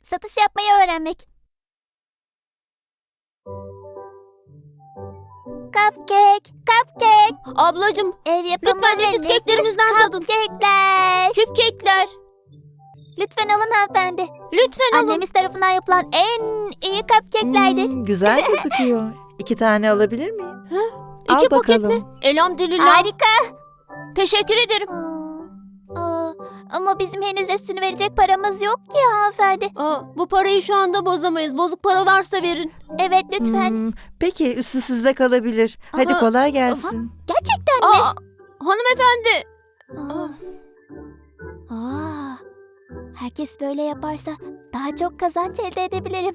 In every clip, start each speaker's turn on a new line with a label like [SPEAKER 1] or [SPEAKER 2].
[SPEAKER 1] Satış yapmayı öğrenmek. Cupcake.
[SPEAKER 2] Ablacığım,
[SPEAKER 1] Ev yapımı
[SPEAKER 2] lütfen
[SPEAKER 1] ve
[SPEAKER 2] nefis keklerimizden tadın.
[SPEAKER 1] Cupcake'ler.
[SPEAKER 2] küp kekler.
[SPEAKER 1] Lütfen alın hanımefendi.
[SPEAKER 2] Lütfen alın.
[SPEAKER 1] Annemiz tarafından yapılan en iyi cupcake'lerdir.
[SPEAKER 3] Güzel gözüküyor. 2 tane alabilir miyim? Al
[SPEAKER 2] 2 paket mi?
[SPEAKER 3] bakalım.
[SPEAKER 2] Elhamdülillah.
[SPEAKER 1] Harika.
[SPEAKER 2] Teşekkür ederim.
[SPEAKER 1] Ama bizim henüz üstünü verecek paramız yok ki hanımefendi.
[SPEAKER 2] Bu parayı şu anda bozamayız. Bozuk para varsa verin.
[SPEAKER 1] Evet lütfen.
[SPEAKER 3] Peki üstü sizde kalabilir. Hadi
[SPEAKER 2] Aha,
[SPEAKER 3] kolay gelsin.
[SPEAKER 1] Gerçekten mi?
[SPEAKER 2] Hanımefendi.
[SPEAKER 1] Herkes böyle yaparsa daha çok kazanç elde edebilirim.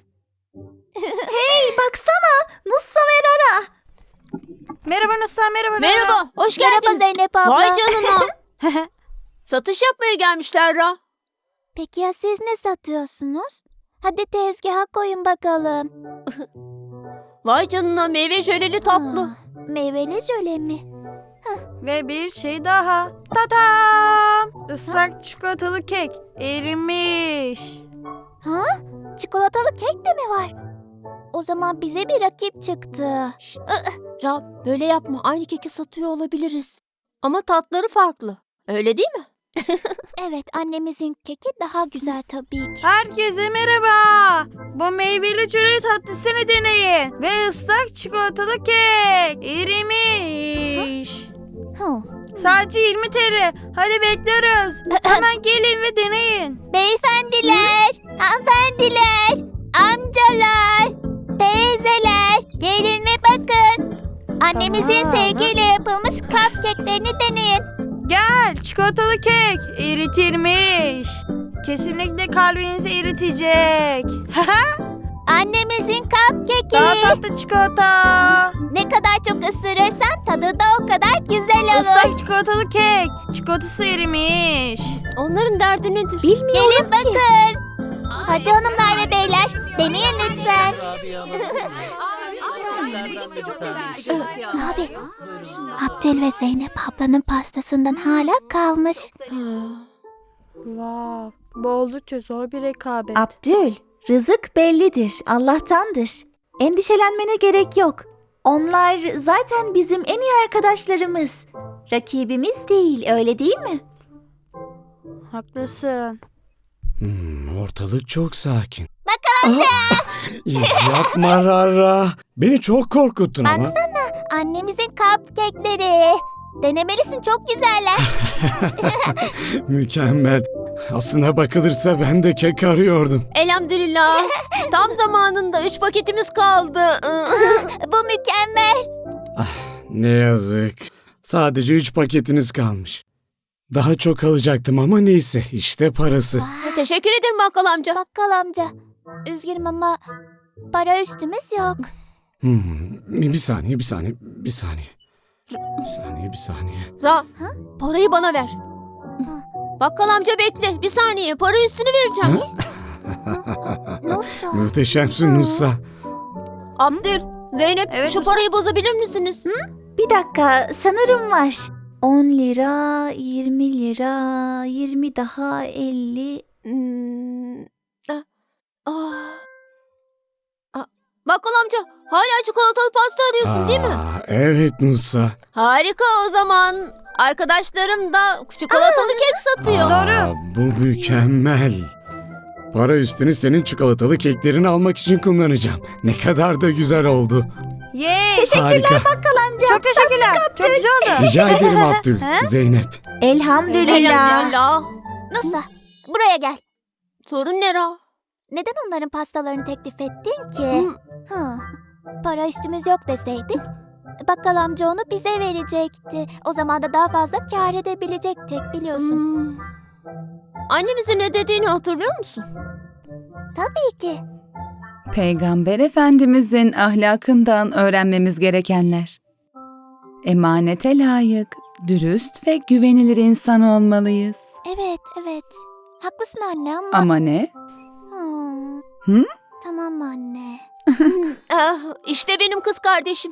[SPEAKER 4] Baksana Nussa ve Rara.
[SPEAKER 5] Merhaba Nusa, merhaba.
[SPEAKER 2] Merhaba. Hoş
[SPEAKER 1] Merhaba
[SPEAKER 2] geldiniz.
[SPEAKER 1] Zeynep abla.
[SPEAKER 2] Vay canına. Satış yapmaya gelmişler Ra.
[SPEAKER 1] Peki ya siz ne satıyorsunuz? Hadi tezgaha koyun bakalım.
[SPEAKER 2] Vay canına, meyve jöleli tatlı.
[SPEAKER 1] Meyveli jöle mi?
[SPEAKER 5] Ve bir şey daha. Tadam! Islak çikolatalı kek. Erimiş.
[SPEAKER 1] Çikolatalı kek de mi var? O zaman bize bir rakip çıktı.
[SPEAKER 2] Ra, böyle yapma. Aynı keki satıyor olabiliriz. Ama tatları farklı. Öyle değil mi?
[SPEAKER 1] Evet, annemizin keki daha güzel tabii ki.
[SPEAKER 5] Herkese merhaba. Bu meyveli çörek tatlısını deneyin. Ve ıslak çikolatalı kek. Erimiş. Sadece 20 TL. Hadi bekliyoruz. Hemen gelin ve deneyin.
[SPEAKER 1] Beyefendiler, hanımefendiler, amcalar, teyzeler, gelin ve bakın. Annemizin sevgiyle yapılmış cupcake'lerini deneyin.
[SPEAKER 5] Gel, çikolatalı kek. Eritilmiş. Kesinlikle kalbinizi eritecek.
[SPEAKER 1] Annemizin cupcake'i.
[SPEAKER 5] Daha tatlı çikolata.
[SPEAKER 1] Ne kadar çok ısırırsan tadı da o kadar güzel olur.
[SPEAKER 5] Islak çikolatalı kek. Çikolatası erimiş.
[SPEAKER 2] Onların derdi nedir?
[SPEAKER 1] Gelin bakın. Hadi hanımlar ve beyler, deneyin lütfen. Abi, Abdül ve Zeynep ablanın pastasından hala kalmış.
[SPEAKER 5] Vav, bu oldukça zor bir rekabet.
[SPEAKER 4] Abdül, rızık bellidir, Allah'tandır. Endişelenmene gerek yok. Onlar zaten bizim en iyi arkadaşlarımız. Rakibimiz değil, öyle değil mi?
[SPEAKER 5] Haklısın.
[SPEAKER 6] Ortalık çok sakin.
[SPEAKER 1] Bakalım
[SPEAKER 6] Yapma Rara. Beni çok korkuttun ama.
[SPEAKER 1] Baksana, annemizin cupcake'leri. Denemelisin, çok güzeller.
[SPEAKER 6] Mükemmel. Aslına bakılırsa ben de kek arıyordum.
[SPEAKER 2] Elhamdülillah. Tam zamanında 3 paketimiz kaldı.
[SPEAKER 1] Bu mükemmel.
[SPEAKER 6] Ne yazık. Sadece 3 paketiniz kalmış. Daha çok alacaktım ama neyse işte parası.
[SPEAKER 2] Teşekkür ederim bakkal amca.
[SPEAKER 1] Bakkal amca, üzgünüm ama para üstümüz yok.
[SPEAKER 6] Bir saniye.
[SPEAKER 2] Ra, parayı bana ver. Bakkal amca bekle. Bir saniye, para üstünü vereceğim.
[SPEAKER 1] Nasıl?
[SPEAKER 6] Muhteşemsin Nusa.
[SPEAKER 2] Abdül, Zeynep,
[SPEAKER 5] Evet,
[SPEAKER 2] şu parayı bozabilir misiniz?
[SPEAKER 4] Bir dakika, sanırım var. 10 lira, 20 lira, 20 daha 50.
[SPEAKER 2] Bakkal amca, hala çikolatalı pasta arıyorsun değil mi?
[SPEAKER 6] Evet Nusa.
[SPEAKER 2] Harika o zaman. Arkadaşlarım da çikolatalı kek satıyor.
[SPEAKER 6] Bu mükemmel. Para üstünü senin çikolatalı keklerini almak için kullanacağım. Ne kadar da güzel oldu.
[SPEAKER 5] Yay.
[SPEAKER 6] Harika.
[SPEAKER 4] Bakkal amca.
[SPEAKER 5] Çok teşekkürler. Çok güzel oldu.
[SPEAKER 6] Rica ederim Abdül. Zeynep.
[SPEAKER 4] Elhamdülillah.
[SPEAKER 2] Elhamdülillah.
[SPEAKER 1] Nusa, buraya gel.
[SPEAKER 2] Sorun ne Ra?
[SPEAKER 1] Neden onların pastalarını teklif ettin ki? Para üstümüz yok deseydin, bakkal amca onu bize verecekti. O zaman da daha fazla kâr edebilecektik, biliyorsun.
[SPEAKER 2] Annemizin ne dediğini hatırlıyor musun?
[SPEAKER 1] Tabii ki.
[SPEAKER 7] Peygamber Efendimizin ahlakından öğrenmemiz gerekenler. Emanete layık, dürüst ve güvenilir insan olmalıyız.
[SPEAKER 1] Evet. Haklısın anne ama...
[SPEAKER 7] Ama ne?
[SPEAKER 1] Hmm. Tamam anne.
[SPEAKER 2] İşte benim kız kardeşim.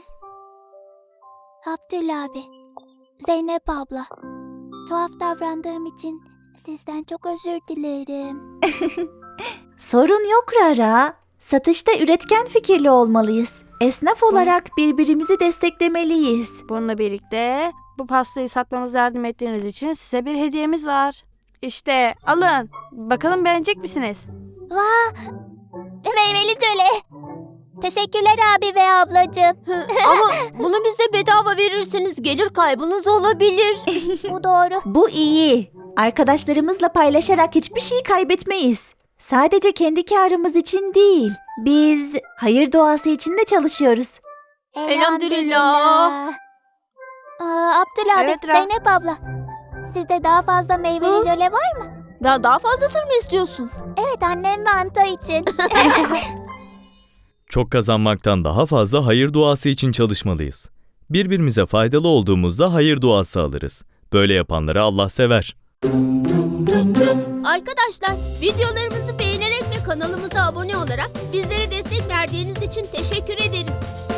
[SPEAKER 1] Abdül abi, Zeynep abla. Tuhaf davrandığım için sizden çok özür dilerim.
[SPEAKER 4] Sorun yok Rara. Satışta üretken fikirli olmalıyız. Esnaf olarak birbirimizi desteklemeliyiz.
[SPEAKER 5] Bununla birlikte bu pastayı satmamıza yardım ettiğiniz için size bir hediyemiz var. İşte alın. Bakalım beğenecek misiniz?
[SPEAKER 1] Vah! Meyveli jöle. Teşekkürler abi ve ablacığım.
[SPEAKER 2] Ama bunu bize bedava verirseniz gelir kaybınız olabilir.
[SPEAKER 1] Bu doğru.
[SPEAKER 4] Bu iyi. Arkadaşlarımızla paylaşarak hiçbir şey kaybetmeyiz. Sadece kendi karımız için değil. Biz hayır duası için de çalışıyoruz.
[SPEAKER 2] Elhamdülillah.
[SPEAKER 1] Abdül abi,
[SPEAKER 5] Evet,
[SPEAKER 1] Zeynep abla. Sizde daha fazla meyveli jöle var mı?
[SPEAKER 2] Ya daha fazlasını mı istiyorsun?
[SPEAKER 1] Evet, annem ve Anta için.
[SPEAKER 8] Çok kazanmaktan daha fazla hayır duası için çalışmalıyız. Birbirimize faydalı olduğumuzda hayır duası alırız. Böyle yapanları Allah sever.
[SPEAKER 2] Arkadaşlar, videolarımızı beğenerek ve kanalımıza abone olarak bizlere destek verdiğiniz için teşekkür ederiz.